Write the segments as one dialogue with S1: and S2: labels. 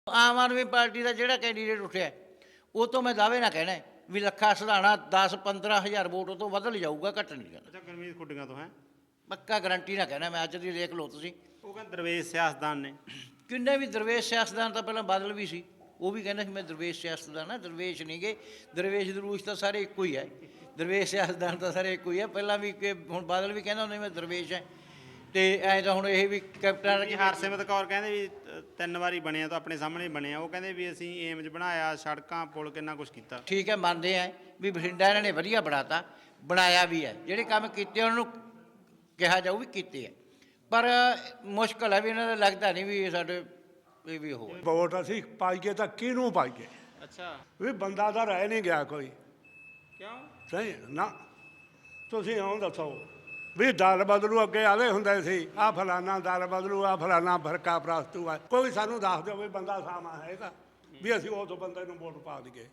S1: ਆਮ ਆਦਮੀ party ਦਾ ਜਿਹੜਾ candidate ਉੱਠਿਆ ਉਹ ਤੋਂ ਮੈਂ ਦਾਅਵੇ ਨਾਲ ਕਹਿਣਾ ਵੀ ਲੱਖਾ ਸਿਧਾਣਾ 10-15 ਹਜ਼ਾਰ ਵੋਟ ਉਹ ਤੋਂ ਵੱਧ ਲਿਜਾਊਗਾ, ਘੱਟ ਨਹੀਂ ਜਾਣਾ।
S2: ਅੱਛਾ, ਗੁਰਮੀਤ ਖੁੱਡੀਆਂ ਤੋਂ ਹੈ
S1: ਪੱਕਾ ਗਰੰਟੀ ਨਾਲ ਕਹਿਣਾ ਮੈਂ, ਅੱਜ ਦੀ ਦੇਖ ਲਓ ਤੁਸੀਂ।
S2: ਉਹ ਕਹਿੰਦੇ ਦਰਵੇਸ਼ ਸਿਆਸਤਦਾਨ ਨੇ।
S1: ਕਿੰਨੇ ਵੀ ਦਰਵੇਸ਼ ਸਿਆਸਤਦਾਨ ਤਾਂ ਪਹਿਲਾਂ ਬਾਦਲ ਵੀ ਸੀ, ਉਹ ਵੀ ਕਹਿੰਦਾ ਸੀ ਮੈਂ ਦਰਵੇਸ਼ ਸਿਆਸਤਦਾਨ ਆ। ਦਰਵੇਸ਼ ਨਹੀਂ ਗਏ, ਦਰਵੇਸ਼ ਦਰੂਸ਼ ਤਾਂ ਸਾਰੇ ਇੱਕੋ ਹੀ ਹੈ, ਦਰਵੇਸ਼ ਸਿਆਸਤਦਾਨ ਤਾਂ ਸਾਰੇ ਇੱਕੋ ਹੀ ਹੈ। ਪਹਿਲਾਂ ਵੀ ਕਿ ਹੁਣ ਬਾਦਲ ਵੀ ਕਹਿੰਦਾ ਹੁੰਦਾ ਮੈਂ ਦਰਵੇਸ਼ ਹੈ, ਅਤੇ ਐਂ ਤਾਂ ਹੁਣ ਇਹ ਵੀ ਕੈਪਟਨ
S2: ਹਰਸਿਮਰਤ ਕੌਰ ਕਹਿੰਦੇ ਵੀ 3 ਵਾਰੀ ਬਣਿਆ ਤਾਂ ਆਪਣੇ ਸਾਹਮਣੇ ਬਣਿਆ। ਉਹ ਕਹਿੰਦੇ ਵੀ ਅਸੀਂ ਏਮਜ ਬਣਾਇਆ, ਸੜਕਾਂ ਪੁਲ ਕਿੰਨਾ ਕੁਛ ਕੀਤਾ।
S1: ਠੀਕ ਹੈ, ਮੰਨਦੇ ਆ ਵੀ ਬਠਿੰਡਾ ਇਹਨਾਂ ਨੇ ਵਧੀਆ ਬਣਾਤਾ, ਬਣਾਇਆ ਵੀ ਹੈ। ਜਿਹੜੇ ਕੰਮ ਕੀਤੇ ਉਹਨਾਂ ਨੂੰ ਕਿਹਾ ਜਾਊ ਵੀ ਕੀਤੇ ਹੈ, ਪਰ ਮੁਸ਼ਕਿਲ ਹੈ ਵੀ ਇਹਨਾਂ ਦਾ ਲੱਗਦਾ ਨਹੀਂ ਵੀ ਸਾਡੇ ਇਹ ਵੀ ਹੋ
S3: ਵੋਟ ਅਸੀਂ ਪਾਈਏ ਤਾਂ ਕਿਹਨੂੰ ਪਾਈਏ?
S2: ਅੱਛਾ,
S3: ਵੀ ਬੰਦਾ ਤਾਂ ਰਹਿ ਨਹੀਂ ਗਿਆ ਕੋਈ।
S2: ਕਿਉਂ?
S3: ਸਹੀ ਨਾ, ਤੁਸੀਂ ਇਉਂ ਦੱਸੋ ਵੀ ਦਲ ਬਦਲੂ, ਅੱਗੇ ਆਲੇ ਹੁੰਦੇ ਸੀ ਆਹ ਫਲਾਨਾ ਦਲ ਬਦਲੂ, ਆਹ ਫਲਾਨਾ ਫਰਕਾ ਪ੍ਰਸਤੂ ਆ। ਕੋਈ ਸਾਨੂੰ ਦੱਸ ਦਿਓ ਵੀ ਬੰਦਾ ਸਾਮਾ ਹੈਗਾ ਵੀ ਅਸੀਂ ਉਸ ਬੰਦੇ ਨੂੰ ਵੋਟ ਪਾ ਦਈਏ।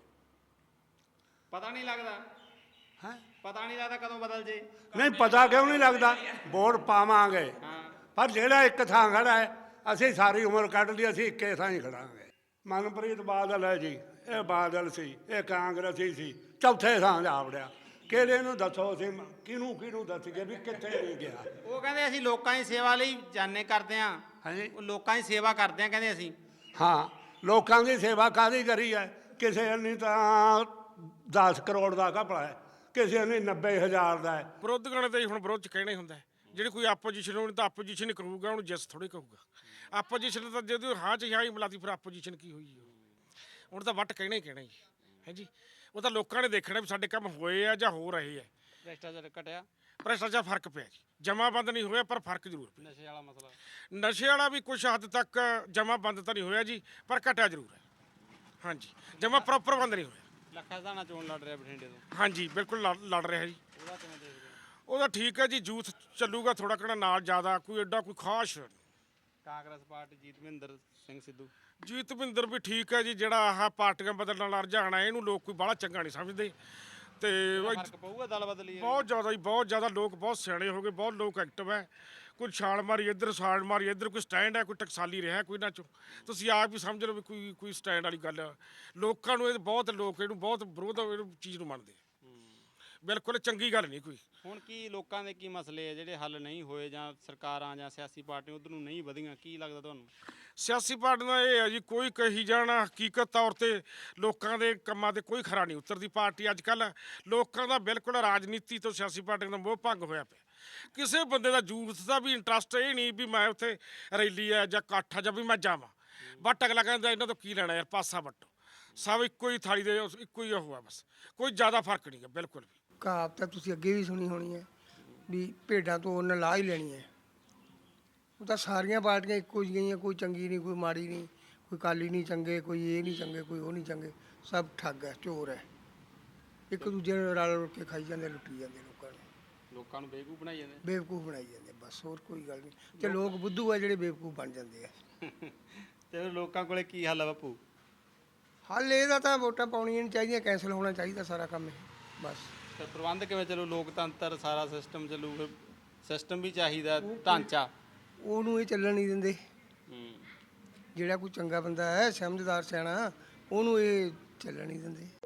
S2: ਪਤਾ ਨਹੀਂ ਲੱਗਦਾ
S3: ਹੈ,
S2: ਪਤਾ ਨਹੀਂ ਲੱਗਦਾ ਕਦੋਂ ਬਦਲ ਜੇ।
S3: ਨਹੀਂ ਪਤਾ ਕਿਉਂ ਨਹੀਂ ਲੱਗਦਾ? ਵੋਟ ਪਾਵਾਂਗੇ,
S2: ਹਾਂ,
S3: ਪਰ ਜਿਹੜਾ ਇੱਕ ਥਾਂ ਖੜਾ ਹੈ ਅਸੀਂ ਸਾਰੀ ਉਮਰ ਕੱਢ ਲਈ, ਅਸੀਂ ਇੱਕੇ ਥਾਂ ਹੀ ਖੜਾਂਗੇ। ਮਨਪ੍ਰੀਤ ਬਾਦਲ ਹੈ ਜੀ, ਇਹ ਬਾਦਲ ਸੀ, ਇਹ ਕਾਂਗਰਸੀ ਸੀ, ਚੌਥੇ ਥਾਂ ਜਾ ਵੜਿਆ। ਕਿਹੜੇ ਨੂੰ ਦੱਸੋ ਅਸੀਂ ਕਿਹਨੂੰ ਦੱਸੀਏ ਵੀ ਕਿੱਥੇ ਨਹੀਂ ਗਿਆ?
S2: ਉਹ ਕਹਿੰਦੇ ਅਸੀਂ ਲੋਕਾਂ ਦੀ ਸੇਵਾ ਲਈ ਜਾਣੇ ਕਰਦੇ ਹਾਂ।
S3: ਹਾਂਜੀ,
S2: ਉਹ ਲੋਕਾਂ ਦੀ ਸੇਵਾ ਕਰਦੇ ਆ ਕਹਿੰਦੇ ਅਸੀਂ।
S3: ਹਾਂ, ਲੋਕਾਂ ਦੀ ਸੇਵਾ ਕਾਹਦੀ ਕਰੀ ਹੈ? ਕਿਸੇ ਨੇ ਤਾਂ 10 ਕਰੋੜ ਦਾ ਘਪਲਾ ਹੈ, ਕਿਸੇ ਨੇ 90,000 ਦਾ ਹੈ।
S4: ਵਿਰੋਧੀਆਂ ਨੇ ਤਾਂ ਹੁਣ ਵਿਰੋਧ ਚ ਕਹਿਣਾ ਹੀ ਹੁੰਦਾ। ਜਿਹੜੀ ਕੋਈ ਆਪੋਜੀਸ਼ਨ ਹੋਣੀ ਤਾਂ ਆਪੋਜੀਸ਼ਨ ਹੀ ਕਰੂਗਾ, ਉਹਨੂੰ ਜਿਸ ਥੋੜ੍ਹੀ ਕਹੂਗਾ। ਆਪੋਜੀਸ਼ਨ ਤਾਂ ਜਦੋਂ ਹਾਂ ਚ ਹਾਂ ਹੀ ਮਿਲਾਤੀ, ਫਿਰ ਆਪੋਜੀਸ਼ਨ ਕੀ ਹੋਈ? ਹੁਣ ਤਾਂ ਵੱਟ ਕਹਿਣਾ ਹੀ ਕਹਿਣਾ ਜੀ, ਹੈ ਜੀ। ਉਹ ਤਾਂ ਲੋਕਾਂ ਨੇ ਦੇਖਣਾ ਵੀ ਸਾਡੇ ਕੰਮ ਹੋਏ ਆ ਜਾਂ ਹੋ ਰਹੇ ਆ।
S2: ਭ੍ਰਿਸ਼ਟਾਚਾਰ ਘਟਿਆ,
S4: ਭ੍ਰਿਸ਼ਟਾਚਾਰ ਫਰਕ ਪਿਆ ਜੀ, ਜਮਾਬੰਦ ਨਹੀਂ ਹੋਇਆ ਪਰ ਫਰਕ ਜ਼ਰੂਰ ਪਿਆ।
S2: ਨਸ਼ੇ ਵਾਲਾ ਮਸਲਾ,
S4: ਨਸ਼ੇ ਵਾਲਾ ਵੀ ਕੁਛ ਹੱਦ ਤੱਕ ਜਮਾਬੰਦ ਤਾਂ ਨਹੀਂ ਹੋਇਆ ਜੀ, ਪਰ ਘਟਿਆ ਜ਼ਰੂਰ ਹੈ। ਹਾਂਜੀ, ਜਮਾ ਪ੍ਰੋਪਰ ਬੰਦ ਨਹੀਂ ਹੋਇਆ।
S2: ਲੱਖਾ ਸਿਧਾਣਾ ਚੋਣ ਲੜ ਰਿਹਾ ਬਠਿੰਡੇ ਤੋਂ।
S4: ਹਾਂਜੀ, ਬਿਲਕੁਲ ਲੜ ਰਿਹਾ ਜੀ।
S2: ਉਹਦਾ ਕਿਵੇਂ ਦੇਖਦੇ ਹੋ?
S4: ਉਹਦਾ ਠੀਕ ਹੈ ਜੀ, ਯੂਥ ਚੱਲੂਗਾ ਥੋੜਾ ਘਣਾ ਨਾਲ, ਜ਼ਿਆਦਾ ਕੋਈ ਐਡਾ ਕੋਈ ਖਾਸ।
S2: ਕਾਂਗਰਸ ਪਾਰਟੀ ਜੀਤਵਿੰਦਰ ਸਿੰਘ ਸਿੱਧੂ।
S4: ਜੀਤਵਿੰਦਰ ਵੀ ਠੀਕ ਹੈ ਜੀ, ਜਿਹੜਾ ਆਹ ਪਾਰਟੀਆਂ ਬਦਲਣ ਵਾਲਾ ਰੁਝਾਨ ਹੈ ਇਹਨੂੰ ਲੋਕ ਕੋਈ ਬਾਹਲਾ ਚੰਗਾ ਨਹੀਂ ਸਮਝਦੇ। ਤੇ
S2: ਫਰਕ ਪਊਗਾ ਦਲ ਬਦਲੀ?
S4: ਬਹੁਤ ਜ਼ਿਆਦਾ ਜੀ, ਬਹੁਤ ਜ਼ਿਆਦਾ ਲੋਕ ਬਹੁਤ ਸਿਆਣੇ ਹੋ ਗਏ, ਬਹੁਤ ਲੋਕ ਐਕਟਿਵ ਹੈ। ਕੋਈ ਛਾਲ ਮਾਰੀ ਇੱਧਰ, ਛਾਲ ਮਾਰੀ ਇੱਧਰ, ਕੋਈ ਸਟੈਂਡ ਹੈ, ਕੋਈ ਟਕਸਾਲੀ ਰਿਹਾ ਕੋਈ ਨਾ ਚੋਂ। ਤੁਸੀਂ ਆਪ ਹੀ ਸਮਝ ਲਓ ਵੀ ਕੋਈ ਸਟੈਂਡ ਵਾਲੀ ਗੱਲ ਆ। ਲੋਕਾਂ ਨੂੰ ਇਹ ਬਹੁਤ ਲੋਕ ਇਹਨੂੰ ਬਹੁਤ ਵਿਰੋਧ ਇਹਨੂੰ ਚੀਜ਼ ਨੂੰ ਮੰਨਦੇ ਆ। ਬਿਲਕੁਲ ਚੰਗੀ ਗੱਲ ਨਹੀਂ ਕੋਈ।
S2: ਹੁਣ ਕੀ ਲੋਕਾਂ ਦੇ ਕੀ ਮਸਲੇ ਆ ਜਿਹੜੇ ਹੱਲ ਨਹੀਂ ਹੋਏ, ਜਾਂ ਸਰਕਾਰਾਂ ਜਾਂ ਸਿਆਸੀ ਪਾਰਟੀਆਂ ਉਧਰ ਨੂੰ ਨਹੀਂ ਵਧੀਆਂ? ਕੀ ਲੱਗਦਾ ਤੁਹਾਨੂੰ?
S4: ਸਿਆਸੀ ਪਾਰਟੀਆਂ ਦਾ ਇਹ ਹੈ ਜੀ, ਕੋਈ ਕਹੀ ਜਾਣਾ ਹਕੀਕਤ ਤੌਰ 'ਤੇ ਲੋਕਾਂ ਦੇ ਕੰਮਾਂ 'ਤੇ ਕੋਈ ਖਰਾ ਨਹੀਂ ਉਤਰਦੀ ਪਾਰਟੀ। ਅੱਜ ਕੱਲ੍ਹ ਲੋਕਾਂ ਦਾ ਬਿਲਕੁਲ ਰਾਜਨੀਤੀ ਤੋਂ ਸਿਆਸੀ ਪਾਰਟੀਆਂ ਦਾ ਮੋਹ ਭੰਗ ਹੋਇਆ ਪਿਆ। ਕਿਸੇ ਬੰਦੇ ਦਾ ਯੂਥ ਦਾ ਵੀ ਇੰਟਰਸਟ ਇਹ ਨਹੀਂ ਵੀ ਮੈਂ ਉੱਥੇ ਰੈਲੀ ਹੈ ਜਾਂ ਇਕੱਠ ਹੈ ਜਾਂ ਵੀ ਮੈਂ ਜਾਵਾਂ। ਬਟ ਅਗਲਾ ਕਹਿੰਦਾ ਇਹਨਾਂ ਤੋਂ ਕੀ ਲੈਣਾ ਯਾਰ, ਪਾਸਾ ਵੱਟੋ। ਸਭ ਇੱਕੋ ਹੀ ਥਾਲੀ ਦੇ ਇੱਕੋ ਹੀ ਉਹ ਆ, ਬਸ ਕੋਈ ਜ਼ਿਆਦਾ ਫਰਕ ਨਹੀਂ ਹੈ ਬਿਲਕੁਲ ਵੀ।
S5: ਕਹਾਵਤ ਤਾਂ ਤੁਸੀਂ ਅੱਗੇ ਵੀ ਸੁਣੀ ਹੋਣੀ ਹੈ ਵੀ ਭੇਡਾਂ ਤੋਂ ਉਹਨੇ ਲਾਹ ਹੀ ਲੈਣੀ ਹੈ। ਉਹ ਤਾਂ ਸਾਰੀਆਂ ਪਾਰਟੀਆਂ ਇੱਕੋ ਜਿਹੀਆਂ, ਕੋਈ ਚੰਗੀ ਨਹੀਂ ਕੋਈ ਮਾੜੀ ਨਹੀਂ, ਕੋਈ ਅਕਾਲੀ ਨਹੀਂ ਚੰਗੇ, ਕੋਈ ਇਹ ਨਹੀਂ ਚੰਗੇ, ਕੋਈ ਉਹ ਨਹੀਂ ਚੰਗੇ, ਸਭ ਠੱਗ ਹੈ, ਚੋਰ ਹੈ। ਇੱਕ ਦੂਜੇ ਨੂੰ ਰਲ ਕੇ ਖਾਈ ਜਾਂਦੇ, ਲੁੱਟੀ ਜਾਂਦੇ
S2: ਲੋਕਾਂ ਨੂੰ ਬੇਵਕੂਫ ਬਣਾਈ ਜਾਂਦੇ।
S5: ਬੇਵਕੂਫ ਬਣਾਈ ਜਾਂਦੇ, ਬਸ ਹੋਰ ਕੋਈ ਗੱਲ ਨਹੀਂ। ਤੇ ਲੋਕ ਬੁੱਧੂ ਆ ਜਿਹੜੇ ਬੇਵਕੂਫ ਬਣ ਜਾਂਦੇ ਆ।
S2: ਤੇ ਲੋਕਾਂ ਕੋਲੇ ਕੀ ਹੱਲ ਆ ਬਾਪੂ?
S5: ਹੱਲ ਇਹਦਾ ਤਾਂ ਵੋਟਾਂ ਪਾਉਣੀਆਂ ਨਹੀਂ ਚਾਹੀਦੀਆਂ, ਕੈਂਸਲ ਹੋਣਾ ਚਾਹੀਦਾ ਸਾਰਾ ਕੰਮ ਇਹ, ਬਸ।
S2: ਫਿਰ ਪ੍ਰਬੰਧ ਕਿਵੇਂ ਚੱਲੂ? ਲੋਕਤੰਤਰ ਸਾਰਾ ਸਿਸਟਮ ਚੱਲੂ, ਫਿਰ ਸਿਸਟਮ ਵੀ ਚਾਹੀਦਾ, ਢਾਂਚਾ।
S5: ਉਹਨੂੰ ਇਹ ਚੱਲਣ ਨਹੀਂ ਦਿੰਦੇ। ਜਿਹੜਾ ਕੋਈ ਚੰਗਾ ਬੰਦਾ ਹੈ, ਸਮਝਦਾਰ ਸਿਆਣਾ, ਉਹਨੂੰ ਇਹ ਚੱਲਣ ਨਹੀਂ ਦਿੰਦੇ।